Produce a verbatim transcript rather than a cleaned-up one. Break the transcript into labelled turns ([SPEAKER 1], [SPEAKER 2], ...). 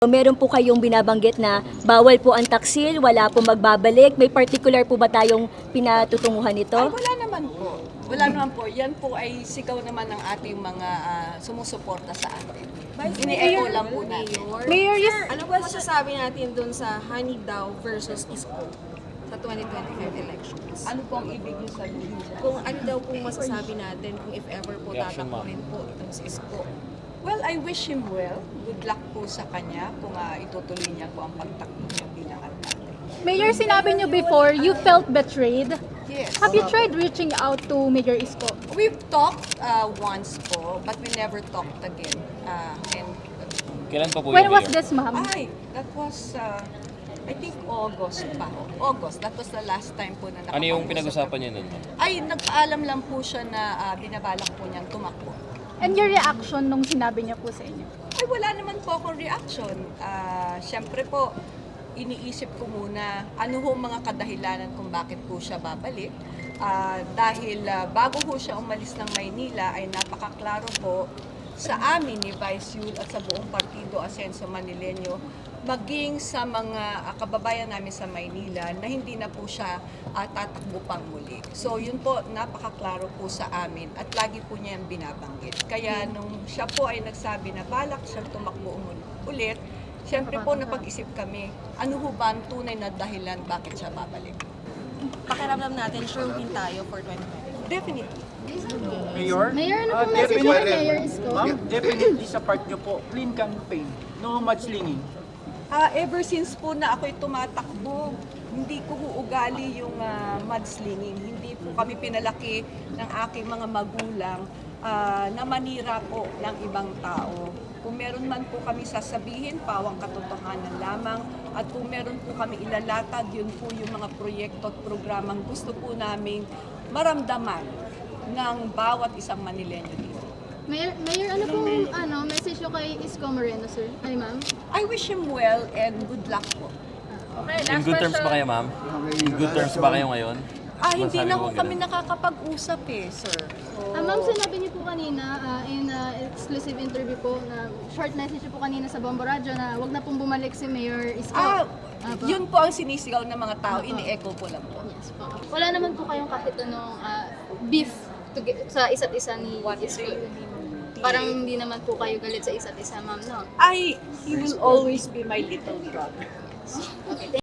[SPEAKER 1] Meron po kayong binabanggit na bawal po ang taksil, wala po magbabalik. May particular po ba tayong pinatutunguhan nito?
[SPEAKER 2] Ay, wala naman po. Wala naman po. Yan po ay sigaw naman ng ating mga uh, sumusuporta sa atin. Ini-echo lang po natin.
[SPEAKER 3] Mayor, yes. Ano po masasabi natin dun sa Honey Daw versus Isko sa twenty twenty-five elections?
[SPEAKER 2] Ano po ang ibig niyo sabihin dyan?
[SPEAKER 3] Kung ano daw pong masasabi natin kung if ever po tatakbo rin po itong si Isko?
[SPEAKER 2] Well, I wish him well. Good luck po sa kanya kung uh, itutuloy niya po ang pagtakbo niya bilang alcalde.
[SPEAKER 4] Mayor, sinabi niyo before, you felt betrayed.
[SPEAKER 2] Yes.
[SPEAKER 4] Have you tried reaching out to Mayor Isko?
[SPEAKER 2] We've talked uh, once po, but we never talked again. Uh, and
[SPEAKER 5] Kailan pa po
[SPEAKER 4] When
[SPEAKER 5] yung
[SPEAKER 4] was
[SPEAKER 5] mayor?
[SPEAKER 4] this, ma'am?
[SPEAKER 2] Ay, that was, uh, I think August pa. August, that was the last time po na nakapag-usap.
[SPEAKER 5] Ano yung pinag-usapan niyo nun?
[SPEAKER 2] Ay, nagpaalam lang po siya na uh, binabalak po niyang tumakbo.
[SPEAKER 4] And your reaction nung sinabi niya po sa inyo?
[SPEAKER 2] Ay, wala naman po akong reaction. Uh, Siyempre po, iniisip ko muna ano ho mga kadahilanan kung bakit po siya babalik. Uh, dahil uh, bago ho siya umalis ng Maynila ay napakaklaro po sa amin ni Vice Yul at sa buong partido Asenso Manileño, maging sa mga uh, kababayan namin sa Maynila na hindi na po siya uh, tatakbo pang muli. So yun po, napakaklaro po sa amin at lagi po niya yung binabanggit. Kaya nung siya po ay nagsabi na balak siyang tumakbo ulit, siyempre po napag-isip kami, ano ho ba ang tunay na dahilan bakit siya babalik?
[SPEAKER 3] Pakiramdam natin, sure win tayo for twenty twenty-five.
[SPEAKER 2] Definitely.
[SPEAKER 6] Mayor?
[SPEAKER 4] Mayor, ano
[SPEAKER 6] Ah,
[SPEAKER 4] pong message mo kay
[SPEAKER 6] definitely-
[SPEAKER 4] Mayor Isko?
[SPEAKER 6] Ma'am, definitely sa part nyo po, clean campaign. No mudslinging.
[SPEAKER 2] Ah, ever since po na ako'y tumatakbo, hindi ko huugali yung uh, mudslinging. Hindi po kami pinalaki ng aking mga magulang ah, na manira po ng ibang tao. Kung meron man po kami sasabihin, pawang katotohanan lamang. At kung meron po kami ilalatag, yun po yung mga proyekto at programang gusto po naming maramdaman ng bawat isang Manileño dito.
[SPEAKER 4] Mayor, Mayor, ano pong ano, message niyo kay Isko Moreno, sir? Ay, ma'am?
[SPEAKER 2] I wish him well and good luck po.
[SPEAKER 5] In good terms ba kayo, ma'am? In good terms ba kayo ngayon?
[SPEAKER 2] Ah, hindi
[SPEAKER 5] Masabi
[SPEAKER 2] na
[SPEAKER 5] mo
[SPEAKER 2] po
[SPEAKER 5] ganun?
[SPEAKER 2] kami nakakapag-usap eh, sir. So,
[SPEAKER 4] Ah, ma'am, sinabi niyo po kanina ah, in ah, exclusive interview po na short message niyo po kanina sa Bombo Radio na wag na pong bumalik si Mayor Isko.
[SPEAKER 2] Ah,
[SPEAKER 4] Apo.
[SPEAKER 2] yun po ang sinisigaw ng mga tao,
[SPEAKER 4] Apo.
[SPEAKER 2] ini-echo ko lang po.
[SPEAKER 4] Yes po. Wala naman po kayong kahit anong ah, beef to get, sa isa't isa ni Isko. Parang hindi naman po kayo galit sa isa't isa, ma'am, no?
[SPEAKER 2] I, he will always be my little brother.
[SPEAKER 4] Okay,